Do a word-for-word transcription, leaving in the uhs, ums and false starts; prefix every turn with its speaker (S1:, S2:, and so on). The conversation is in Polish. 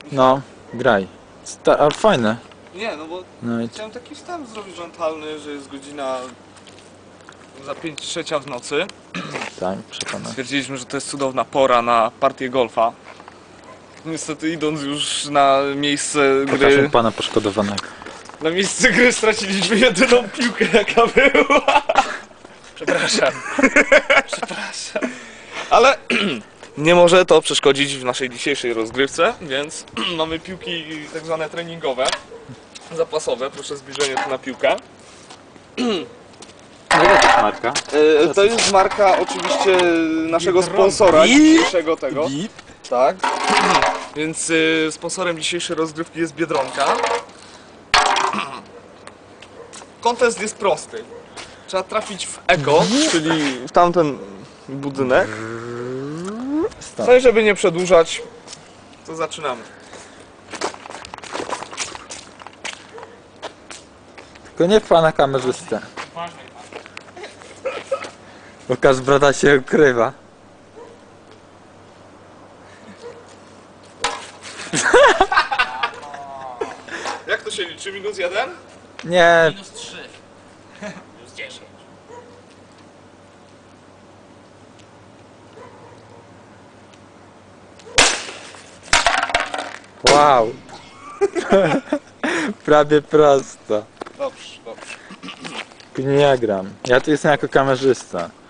S1: No, graj. Sta ale fajne.
S2: Nie, no bo
S1: No i
S2: chciałem taki wstęp zrobić mentalny, że jest godzina za pięć trzecia w nocy.
S1: tak, przekonam.
S2: Stwierdziliśmy, że to jest cudowna pora na partię golfa. Niestety idąc już na miejsce
S1: Pokażę
S2: gry,
S1: pana poszkodowanego.
S2: na miejsce gry straciliśmy jedyną piłkę jaka była. Przepraszam. Przepraszam. Ale nie może to przeszkodzić w naszej dzisiejszej rozgrywce, więc mamy piłki tak zwane treningowe, zapasowe. Proszę zbliżenie tu na piłkę.
S1: Jaka to jest marka?
S2: E, to jest marka oczywiście naszego sponsora dzisiejszego tego. Tak. Więc y, sponsorem dzisiejszej rozgrywki jest Biedronka. Kontest jest prosty. Trzeba trafić w eko, czyli w tamten budynek.
S1: Stop.
S2: No i żeby nie przedłużać, to zaczynamy.
S1: Tylko nie w pana kamerzystę. Łukasz brata się ukrywa.
S2: Jak to się liczy? Minus jeden?
S1: Nie,
S3: Minus trzy. Minus dziesięć.
S1: wow. Prawie prosto.
S2: Dobrze, dobrze.
S1: Nie gram. Ja tu jestem jako kamerzysta.